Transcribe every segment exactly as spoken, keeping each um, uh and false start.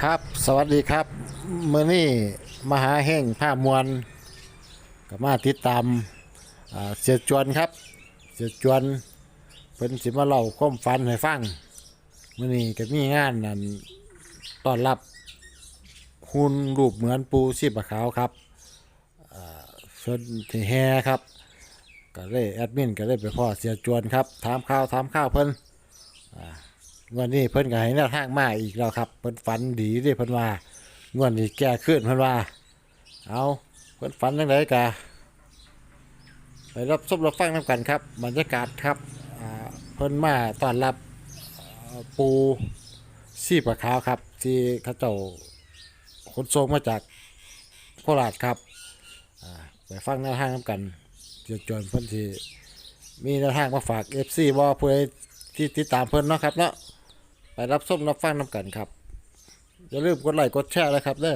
ครับสวัสดีครับเมื่อนี้มหาแห่งผ้ามวลก็มาติดตามอ่าเสียจวนครับเสียจวนเพิ่นสิมาเล่าความฝันให้ฟังเมื่อนี้ก็มีงานนั่นต้อนรับหุ่นรูปเหมือนปูชีพขาวครับอ่าเพิ่นที่แฮครับก็เลยแอดมินก็เลยไปพ่อเสียจวนครับถามข่าวถามข่าวเพิ่นอ่า วันนี้เพิ่นก็ให้แนวทางมาอีกแล้วครับเพิ่นฝันดีเด้เพิ่นว่างวดนี้แก้ขึ้นเพิ่นว่าเอาเพิ่นฝันจังไดกะไปรับชมรับฟังนำกันครับบรรยากาศครับอ่าเพิ่นมาต้อนรับอ่าปูชีพขาวครับที่เขาเจ้าขนส่งมาจากโคราชครับอ่าไปฟังแนวทางนำกันเดี๋ยวจวนเพิ่นสิมีแนวทางมาฝาก เอฟ ซี บ่ผู้ใดที่ติดตามเพิ่นเนาะครับเนาะไปรับส้มรับฟังน้ำกันครับอย่าลืมกดไลค์กดแชร์เลยครับเด้อ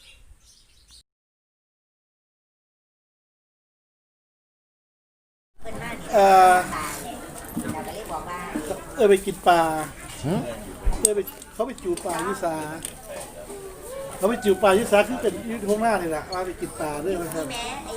เออเออไปกินปลาเออไปเขาไปจูปลายิสาเขาไปจูปลายิสาคือเป็นยุทธงหน้านี่แหละว่าไปกินปลาด้วยนะครับ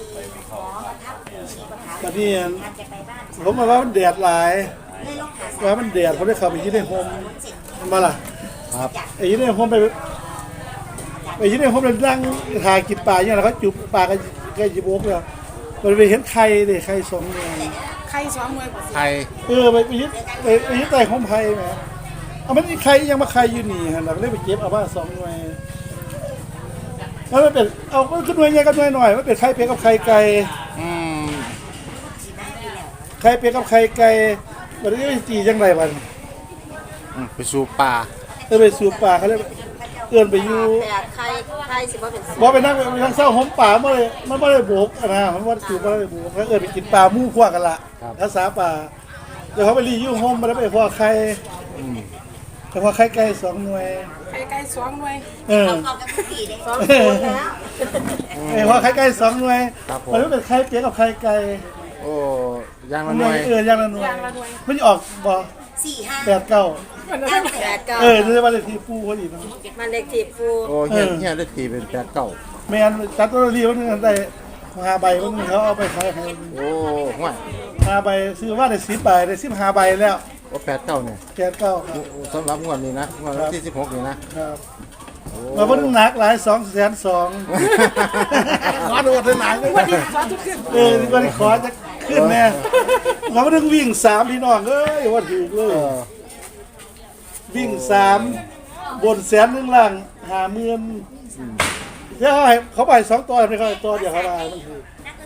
ตอนนี้ผมมาว่ามันแดดหลายว่ามันแดดเขาได้เข้าไปยืนในโฮมมันมาล่ะครับไอ้ยืนในโฮมไปไปยืนในโฮมเลยนั่งถ่ายกินปลาอย่างนั้นเขาจูปลากันใกล้จีบกเลยมันไปเห็นไข่เลยไข่สองหน่วยใครสองมวยไทยเออไปไปยึดไปไปยึดใต้ของไผ่แหมเอามันใครยังมาใครอยู่นี่ฮะเราก็เลยไปเก็บเอาบ้านสองหน่วยแล้วมันเป็นเอามันขึ้นหน่วยใหญ่กับหน่วยหน่อยมันเป็นไข่เป็ดกับไข่ไก่อืมไข่เป็ดกับไข่ไก่มันจะไปจีจังไรบ้างไปสู่ป่าเออไปสู่ป่าเขาเลยเอื้อนไปอยู่แต่ใครใครสิบ่เป็นบอกไปนั่งไปทางเศร้าหอมป่าเมื่อไรมันไม่ได้โบกนะมันว่าจู่ไม่ได้โบกแล้วเอื้อนไปกินปลามู่ขั้วกันละภาษาป่าเดี๋ยวเขาไปรียู่โฮมมาแล้วไปพอไข่แต่พอไข่ไก่สองหน่วยใครใกล้สองมวยเออสองคนแล้วไอ้พอไข่ไก่สองหน่วยมันไม่เป็นไข่เป็ดกับไข่ไก่โอ้ยางละหน่วยเออย่างละหน่วยไม่ออกบ่สี่ห้าแปดเก้าแปดเก้าเออจะมาเลขที่ปูพอดีนะมันเล็กทีฟูโอ้เฮียเฮียได้ตีเป็นแปดเก้าแมนจัดตัวรีวันนึงได้ห้าใบวันนึงเขาเอาไปขายให้โอ้ห่วยห้าใบซื้อว่าได้สิบใบได้สิบห้าใบแล้วโอ้แปดเก้าเนี่ยแปดเก้าสำหรับงวดนี้นะงวดที่สิบหกนี่นะครับมาวันนึงหนักหลายสองแสนสองขอดูเท่าไหร่วันนี้ขอทุกขึ้นเออวันนี้ขอจะขึ้นแน่มาวันนึงวิ่งสามพี่น้องเอ้ยว่าถูกเลยวิ่งสามบนแสนหนึ่งล่างหาเมือนเดี๋ยวเขาให้เขาไปสองตัวไม่เขาตัวเดียวเขาได้มันคือ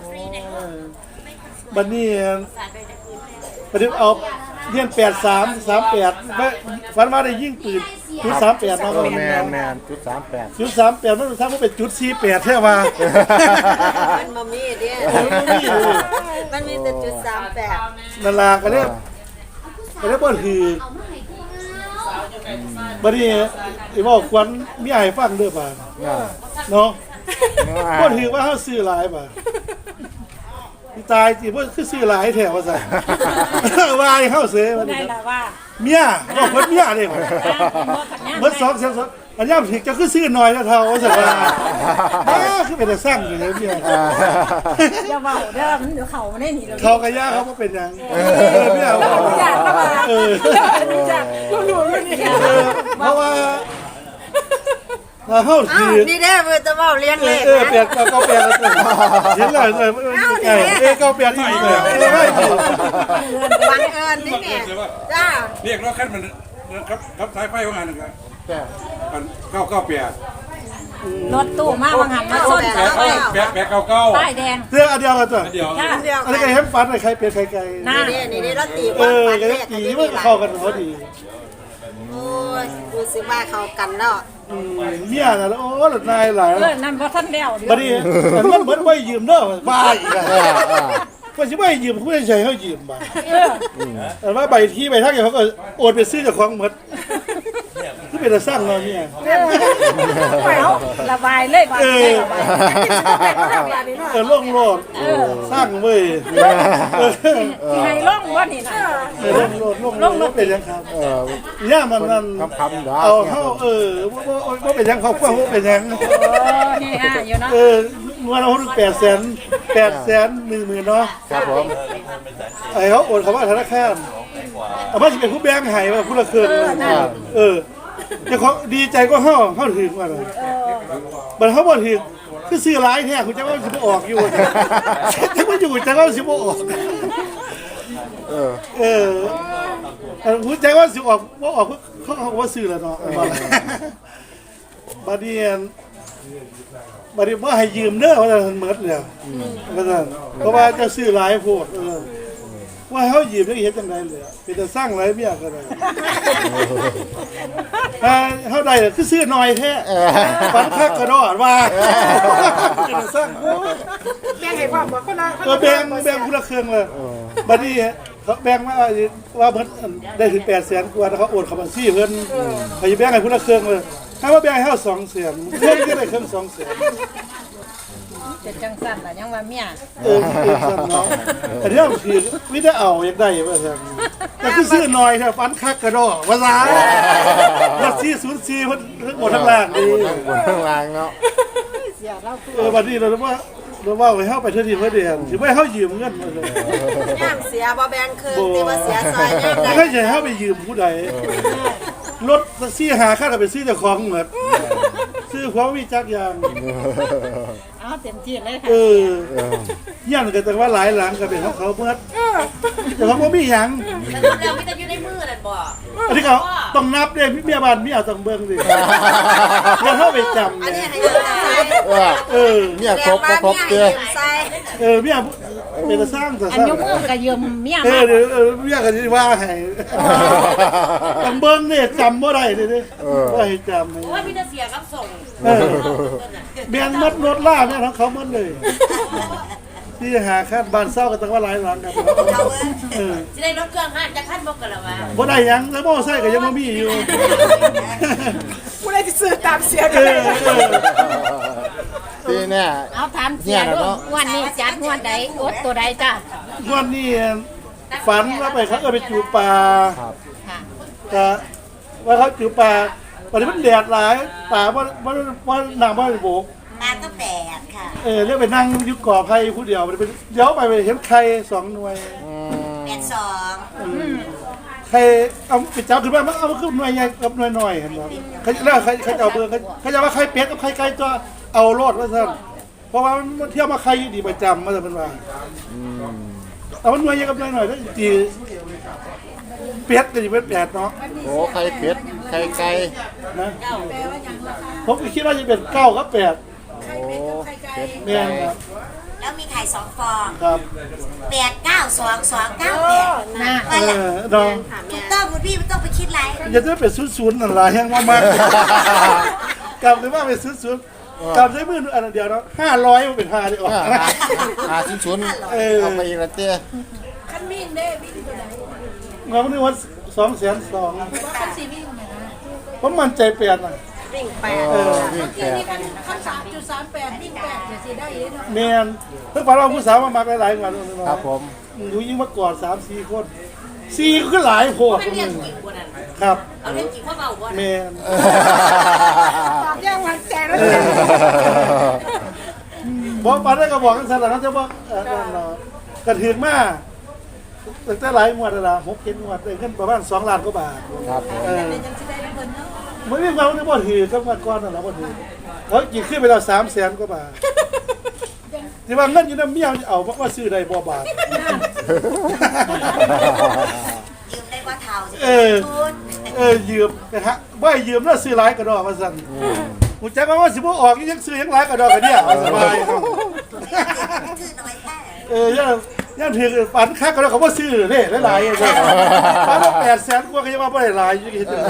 บันนี้บันนี้เอาเรียนแปดสามสามแปดฝันว่าได้ยิ่งปืนจุดสามแปดเนาะแมนแมนจุดสามแปดจุดสามแปดมันทำให้เป็นจุดสี่แปดแท้ว่ามันมามีเด้มันมีแต่จุดสามแปดนาลาก็เรียกก็เรียกว่าคือบัดนี้ไอ้บอกควันมีไอ้ฟังเด้อป่ะเนาะบ่ถือว่าเฮาซื้อหลายป่ะตายสิบ่คือซื้อหลายแท้ว่าซั่นว่าให้เฮาเสยว่าได้ล่ะว่าเมียบอกเพิ่นเมียเด้บ่เบิดสองแสนอันยามถึกจะคือซื้อน้อยแล้วเท่าว่าซั่นว่าอ้าคือเป็นแต่สร้างอยู่เลยเมียอย่าเว้าเด้อมันเดี๋ยวเขาได้หนีแล้วเขาก็ย่าเขาบ่เป็นหยังเออเมียเว้าอยากมาเอออยากรู้อยู่นี่เพราะว่าเฮาถือนี่เด้อเพิ่นจะเว้าเรียนเลขเออเปลี่ยนเก่าๆเปลี่ยนแล้วเห็นเลยเออเออเก่าเปลี่ยนอีกเลยไม่ถูกบังเอิญนี่แหละจ้าเรียกรถคันมันครับครับสายไฟของงานนึงครับมันเก้าเก้าเปียรถตู้มาบางหันมาส้นสายไฟแปะแปะเก้าเก้าป้ายแดงเรื่องอันเดียวกันตัวเดียวอันนี้ไก่เห็นฟันไอ้ไข่เปลี่ยนไข่ไก่นี่นี่นี่รถตีเออไก่ตีมันเข้ากันพอดีโอ้ยรู้สึกว่าเข้ากันแล้วเมียน่ะโอ้หลุดนายหลายเออนั่นบ่ทันแล้วบัดนี้มันเหมือนไม่ยืมเด้อบ้าอีกอ่ะก็สิไม่ยืมผู้ใหญ่เขายืมมาแต่ว่าใบที่ใบทักอย่างเขาก็โอนไปซื้อจากของหมดเป็นตาสร้างเนาะเนี่ยไปเอาระบายเลยบาดเออบาดนี้เนาะเออล่องโลดสร้างเว้ยเออสิให้ล่องบ่นี่นะเออล่องโลดล่องโลดเป็นยังครับเอย่ามันนั่นคำคำๆดอกเอาเข้าเออว่าว่าเป็นยังครอบครัวว่าเป็นยังโอ้เฮฮาอยู่เนาะเออเงินเราแปดแสนแปดแสนหนึ่งหมื่นเนาะครับผมไอ้เขาโอนเขาว่าธนาคารเอามาสิเป็นผู้แบงค์ให้ว่าผู้ละเคินเออจะเขาดีใจก็เฮาเฮาถึงว่าเลยบัดเขาบ่ถึงคือซื้อหลายแท้คุณจะว่าสิบ่ออกอยู่จะว่าอยู่จะว่าสิบ่ออกเออเออคุณใจว่าสิออกบ่ออกเขาเขาว่าซื้อแล้วเนาะบัดนี้บัดนี้บ่ให้ยืมเด้อว่าซั่นหมดแล้วว่าซั่นเพราะว่าจะซื้อหลายโพดเออว่าเขาหยิบได้เห็นจังไดเลยเป็นแต่สร้างไรเมียก็ได้เขาได้คือซื้อหน่อยแท้ฝันคักกระโดดว่าเป็นแต่สร้างแบ่งให้ความบ่คนละก็แบ่งแบ่งคนละเครื่องเลยบัดนี้เขาแบ่งมาว่าเพิ่นได้ถึงแปดแสนกว่าเขาโอนเข้าบัญชีเพิ่นเขาจะแบ่งให้คนละเครื่องเลยถ้าว่าแบ่งให้เขาสองแสนเพิ่นก็ได้เครื่องสองแสนจะจังสั่นล่ะยังว่าเมียเออเออสั่นเนาะอันนี้คือไม่ได้เอาอยากได้ว่าซั่นแต่คือซื้อหน่อยแท้ฝันคักกระโดดว่าซ่าว่าสี่ศูนย์สี่เพิ่นทั้งหมดทั้งล่างดีบนข้างล่างเนาะเสียเราเออบัดนี้เราว่าเราว่าให้เฮาไปเทื่อทีเพื่อเดือนสิบ่ให้เฮายืมเงินมาเลยย่ามเสียบ่แบ่งคืนแต่ว่าเสียซอยย่ามแล้ได้วก็จะให้เฮาไปยืมผู้ใดรถแท็กซี่หาค่าก็ไปซื้อเจ้าของหมดซื้อของมีจักอย่างเอาเต็มที่เลยค่ะเออยันก็แต่ว่าหลายหลังก็เป็นของเขาเมื่อแต่เขาบ่มีหยังแล้วมีแต่อยู่ในมือนั่นบ่อันนี้ก็ต้องนับเด้เมียบ้านเมียต้องเบิ่งดิแล้วเฮาไปจำอันนี้เนี่ยให้ยืมใส่เออเออเนี่ยครบบ่ครบเด้อใส่เออเมียเป็นตาสร้างตาอัสนร้างยกมือก็ยืมเมียเอมาอเดี๋ยวเออเมียก็สิว่าให้ต้องเบิ่งเนี่ยจำบ่ได้เด้เด้ว่าให้จำให้ว่ามีแต่เสียกับส่งเออเมียนมัดรถล่าเนี่ยของเขาหมดเลยที่หาคาดบ้านเศร้ากันตั้งว่าหลายหลังครับเออสิได้รถเครื่องห้าจะขั้นบ่กันแล้วว่าบ่ได้หยังแล้วบ่ใส่ก็ยังบ่มีอยู่ผู้ใดสิซื้อตามเสียเอกันเลยอเออทีเนี่ยเอาถามเสียดูวันนี้จัดงวดใดอดตัวใดจ้ะวันนี้ฝันว่าไปเขาเออไปจูปลาครับค่ะก็ว่าเขาจูปลาวันนี้มันแดดหลายป่าว่าว่าว่าน้ำว่าโบกตาก็แปดค่ะเออเรียกไปนั่งอยู่ก่อไผ่ผู้เดียวมันเป็นเดี๋ยวไปไปเห็นไข่สองหน่วยอืมแปดสองไข่เอาไปจับขึ้นมามันเอามาขึ้นหน่วยใหญ่กับหน่วยน้อยเห็นบ่เขาแล้วใครใครจะเอาเบอร์เขาจะว่าไข่เป็ดกับไข่ไก่ก็เอาโลดว่าซั่นเพราะว่ามันเที่ยวมาไข่อยู่ดีประจำมาแต่เป็นว่าอืมแต่ว่าหน่วยใหญ่กับหน่วยน้อยแล้วจีเป็ดก็สิเป็นแปดเนาะโอ้ไข่เป็ดไข่ไก่นะผมก็คิดว่าจะเป็นเก้ากับแปดโอ้เป็ดแม่นครับแล้วมีไข่สองฟองครับแปดเก้าสองสองเก้าแปดนะเออเนาะถูกต้องคุณพี่ไม่ต้องไปคิดอะไรอย่าจะเป็นศูนย์ๆนั่นล่ะแฮงมากๆกลับเลยว่าเป็นศูนย์ๆกลับด้วยมืออันเดียวเนาะห้าร้อยมันเป็นห้าได้ออกอ่าอ่าชิ้นชุนเอาไปอีกแล้วเตี้ยเราไม่ได้ว่าสองแสนสองผมมั่นใจเปลี่ยนอ่ะวิ่งแปเอดอวิ่งแปดขั้นสามจุดสามแปดวิ่งแปดจะสิได้เนาะแมนเพิ่งฝันว่าผู้สาวมามาหลายๆวันครับผมดูยิ่งมากอดสามสี่คนสี่ก็หลายโพดมันเรียกกี่คนนั้นครับเอาเรื่องกี่ข้อเบาบ่แมนตอบยังวันแจกแล้วบอกปันได้ก็บอกกันสลับนะจะบอกกระถือมาตั้งแต่หลายงวดแล้วล่ะหกเจ็ดงวดได้เงินประมาณสองล้านกว่าบาทครับผมเออไม่มีความที่บ่ถือก็มาก่อนนั่นแหละบ่ถือเขากินขึ้นไปแล้วสามแสนกว่าบาทที่ว่าเงินอยู่น้ำเมียเอาเพราะว่าซื้อได้บ่บาทยืมได้ว่าเท่าสิเออ เออยืมนะฮะบ่ให้ยืมแล้วซื้อหลายกระดอกว่าซั่นกูจักว่าสิบ่ออกยังซื้อยังหลายกระดอกกันเนี่ยเอาสบายครับถือหน่อยแค่เออย่าย่าถือปันคักกระดอกเขาบ่ซื้อเด้หลายๆจังปันแปดแสนกว่าก็ยังว่าบ่ได้หลายอยู่เฮ็ดจัง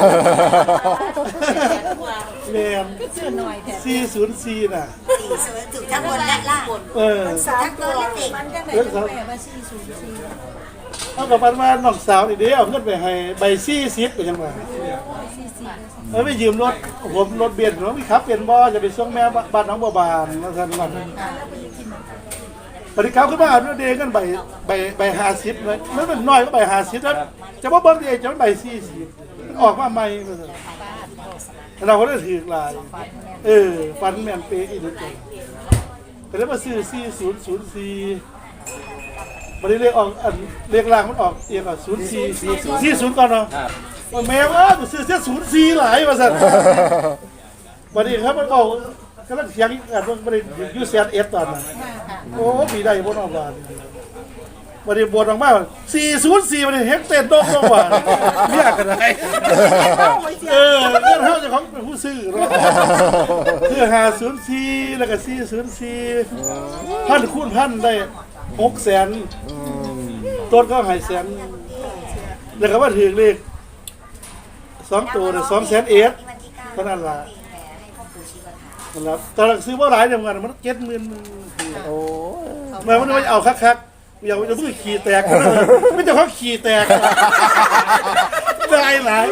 แม่นซื้อหน่อยแท้สี่ศูนย์สี่น่ะสี่สวยถูกทั้งบนและล่างเออทั้งตัวและติ่งเรื่องครับเอากับปันว่าน้องสาวนี่เด้เอาเงินไปให้ใบสี่สิบไปจังว่าเออไปยืมรถผมรถเบนซ์ผมมีขับเป็นบ่จะไปส่งแม่บ้านน้องบัวบานมาทันวันปฏิกรรมขึ้นมาเอาเดกันใบใบใบห้าสิบเลยมันเป็นน้อยก็ใบห้าสิบแล้วจะว่าเบิ้งเองจะมันใบสี่สิบออกมาใหม่เราก็ได้ถือลายเออฟันแมนเป๊ะอีกนิดเดียวแต่แล้วมาซื้อสี่ศูนย์ศูนย์สี่มันได้เรียกออกอันเรียกล่างมันออกเอียงอ่ะศูนย์สี่สี่ศูนย์ก่อนเนาะแมวว่าซื้อเสียศูนย์สี่หลายมาสั่นวันนี้ครับมันบอกกำลังเสียงกันมันไม่ได้ยูเซียนเอสตอนนั้นโอ้ปีได้บนออกมาวันนี้บนออกมาสี่ศูนย์สี่วันนี้เฮกเต้นโดงโดงว่าเรียกกันได้เออเรื่องเท่าจะของเป็นผู้ซื้อเนาะคือหาศูนย์สี่แล้วก็สี่ศูนย์สี่พันคูณพันได้หกแสนต้นก็หายแสนแล้วก็ว่าถือเลขสองตัวเนี่ยสองแสนเอสเท่านั้นละนะครับตอนซื้อว่าหลายเดียวกันมันเจ็ดหมื่นโอ้มามันไม่เอาคักๆอย่าจะเพิ่งขี่แตกไม่จะเขาขี่แตกได้หลาย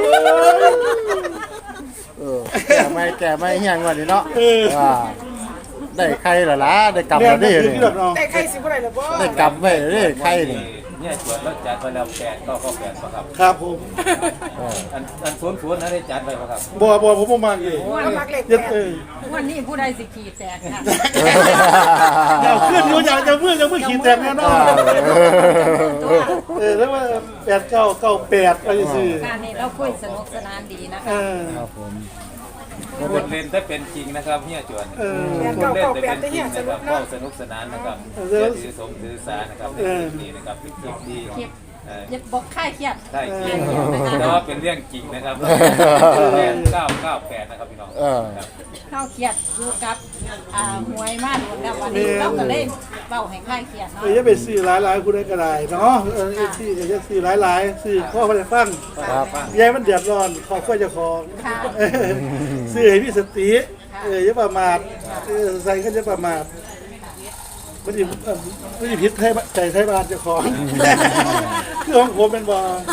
เออแก่ไม่แก่ไม่เฮียงกว่านี้เนาะว่าได้ใครล่ะล่ะได้กำแล้วนี่นี่แต่ใครสิบ่ได้ล่ะบ่ได้กำไว้นี่ใครนี่เนี่ยจวดแล้วจัดไปแล้วแปดก็ก็แปดป่ะครับครับผมอันอันสวนสวนนะได้จัดไปป่ะครับบ่บ่ผมบ่มักเลยเย็ดเออวันนี้ผู้ใดสิขี่แตกค่ะอย่าขึ้นอยู่อย่าจะมือจะมือขี่แตกแน่นอนเออแล้วว่าแปดเก้าเก้าแปดอะไรซื่อการนี้เราคุยสนุกสนานดีนะเอคะอครับผมคนเล่นได้เป็นจริงนะครับเนี่ยจวนเออคนเล่นได้เป็นจริงนะครับก็สนุกสนานนะครับอย่าถือสมถือสานะครับในคลิปนี้นะครับเป็นคลิปที่อย่าบอกค่ายเครียดได้จริงแต่ว่าเป็นเรื่องจริงนะครับแปดเก้าเก้าแปดนะครับพี่น้องเออเข้าเครียดอยู่กับอ่าหวยมากหมดแล้ววันนี้เราก็เลยเบาให้ค่ายเครียดเนาะเออจะไปซื้อหลายๆคุณได้ก็ได้เนาะเออเอฟซีก็จะซื้อหลายๆซื้อข้อมาได้ฟังครับยายมันเดือดร้อนขอค่อยจะของค่ะเออซื้อให้พี่สติเอออย่าประมาทเออใส่ก็จะประมาทไม่ได้ไม่ได้พิษไทยใจไทยบ้านเจ้าของคือของผมเป็นบ่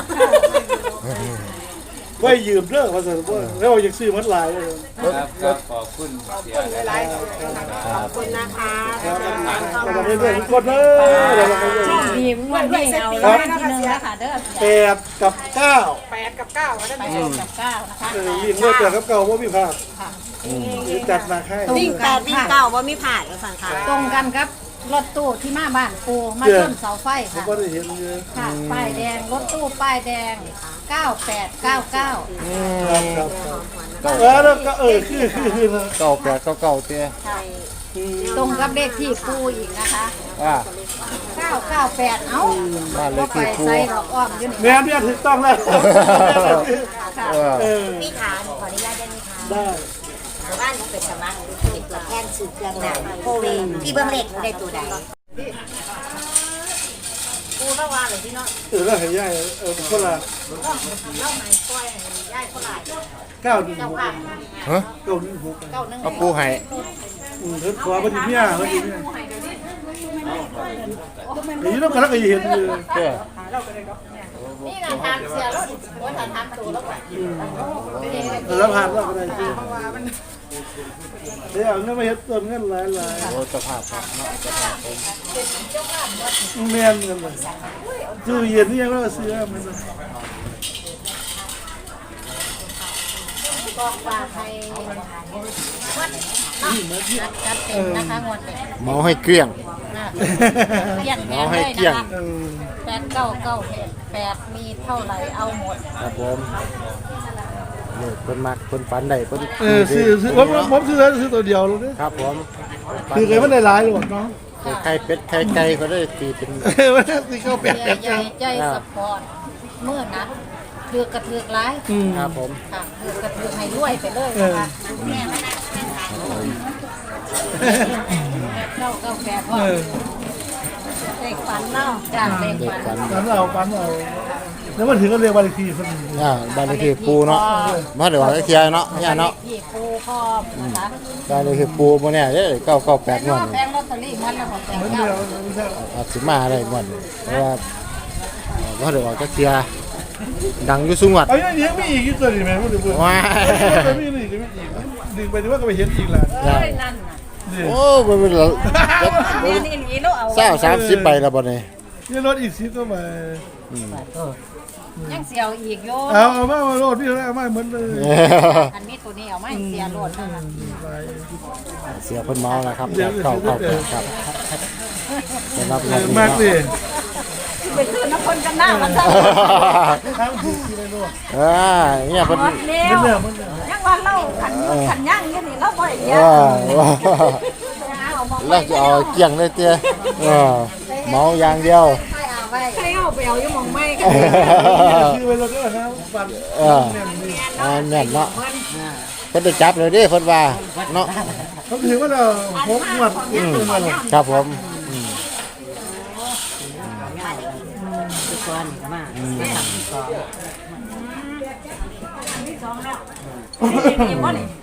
ไว้ยืมเด้อว่าซั่นบ่แล้วอยากซื้อมันหลายเลยครับครับขอบคุณเสียหลายขอบคุณนะคะเราจะได้เรื่องทุกคนเด้อเราจะได้เรื่องดีวันนี้เอารางวัลที่หนึ่งแล้วค่ะเด้อแปดกับเก้าแปดกับเก้านะคะเออวิ่งด้วยแปดกับเก้าว่ามีพลาดจัดมาให้วิ่งแปดวิ่งเก้าว่ามีผ่านแล้วสั่งค่ะตรงกันครับรถตู้ที่มาบ้านปูมาต้นเสาไฟผมค่ะก็ได้เห็นเยอะค่ะป้ายแดงรถตู้ป้ายแดงเก้าแปดเก้าเก้าครับครับเออแล้วก็เออคือคือคือเก้าแปดเก้าเก้าเตี้ยตรงกับเลขที่ปูอีกนะคะว่าเก้าเก้าแปดเอ้าบ้านเลก็ขไปที่ปูใส่ดอกอ้อมอยู่นี่แม่เนี่ยถูกต้องแล้วค่ะเออเออมีฐานขออนุญาตได้ไหมคะได้บ้านเป็นสมัครติดตัวแทนสื่อเครื่องหนังโคเวที่เบื้องเล็กได้ตัวใดปูเมื่อวานเลยพี่น้องเออแล้วให้ย่ายเออคนละเล่าไหนก้อยย่ายคนไหนเก้าหนึ่งหกฮะเก้าหนึ่งหกเก้าหนึ่งเอาปูให้อืมเพิ่นขอพอดีเนี่ยพอดีเนี่ยนี่ต้องกระลักกระเห็นอยู่เตี้ยนี่นะทานเสียรถโอ้ยทานทานตัวแล้วก่อนแล้วผ่านแล้วก็ได้ที่เดี๋ยวเอาเงินมาเฮ็ดต้นเงินหลายหลายโอ้สภาพครับเนาะสภาพผมแม่นเงินเลยตู้เย็นนี่ยังไม่ได้ซื้อมันบอกว่าให้วัดนัดจัดเต็มนะคะงวดนี้เมาให้เกลี้ยงนะเกลี้ยงแพเอางให้เลยเกลี้ยนะงคะเออแปดเก้าเก้าแปดมีเท่าไหร่เอาหมดครับผมนี่เพิ่นมักเพิ่นฝันได้เพิ่นเออซื้อซื้อผมผมซื้อซื้อตัวเดียวเลยครับผมคือเคยมันได้หลายหรอกเนาะไข่เป็ดไข่ไก่ก็ได้ตีเป็นเออมันซื้อเข้าแปดเสีแปยดใหญ่ใจสปอร์ตเมื่อนัดเถือกกระเถือกร้ายอืมครับผมค่ะเถือกกระเถือกให้รวยไปเลยนะคะแม่ไม่ได้แปดเก้าเก้าแปดว่าเออเลขฝันเล่าจากเลขเด็กฝันฝันปันเอาปันเอาแล้วมันถึงก็เรียกวันทีคนนึงอ่าบ้านเลขที่ปูเนาะมาเดี๋ยวว่าเคลียร์เนาะย่าเนาะพี่ปูพร้อมนะคะบ้านเลขที่ปูบ่เนี่ยเด้เก้าเก้าแปดงวดแพงลอตเตอรี่มันแล้วของแพงมันเก้าเดียวอาจสิมาได้งวดนี้เพราะว่าเอ่อมาเดี๋ยวว่าเคลียร์ดังอยู่สุงวัดเอาอย่างนี้มีอีกตัวนี้ไหมพูดถึงพูดว้ายมีอีกมีอีกดึงไปดูว่าก็ไปเห็นอีกแล้วเอ้ยนั่นน่ะโอ้มันเป็นละเรียนอีหลีแล้วเอาเศร้าสามสิบใบแล้วบ่เนี่ยนี่รถอีกสิบตัวมายังเสียวอีกโยเอาเอามาเอารถพี่เอามาเหมือนเลยอันนี้ตัวนี้เอาไม่เสียโลดนั่นน่ะเสียเพิ่นเมาแล้วครับแบบเก่าเก่าครับสำหรับงานนี้มากเนาะเลยไปซื้อน้ำคนกันหน้ามันซะทั้งดีเลยลูกอ่าเนี่ยเพิ่นหมดแล้วยังว่าเล่าขันขันย่างอยู่นี่เราบ่ได้เยเออะอแล้วจะเอาเกี่ยงเลยเตี้ยเออเมาอย่างเดียวให้เอาไว้ใครเอาไปเอาอยู่หมองไม่กันคือไปรถก็นะฟันเอออ่าแน่นเนาะเพิ่นได้จับเลยเด้เพิ่นว่าเนาะเขาถือว่าเราหกหมวดอืมมาเลยครับผมนี่บ่นี่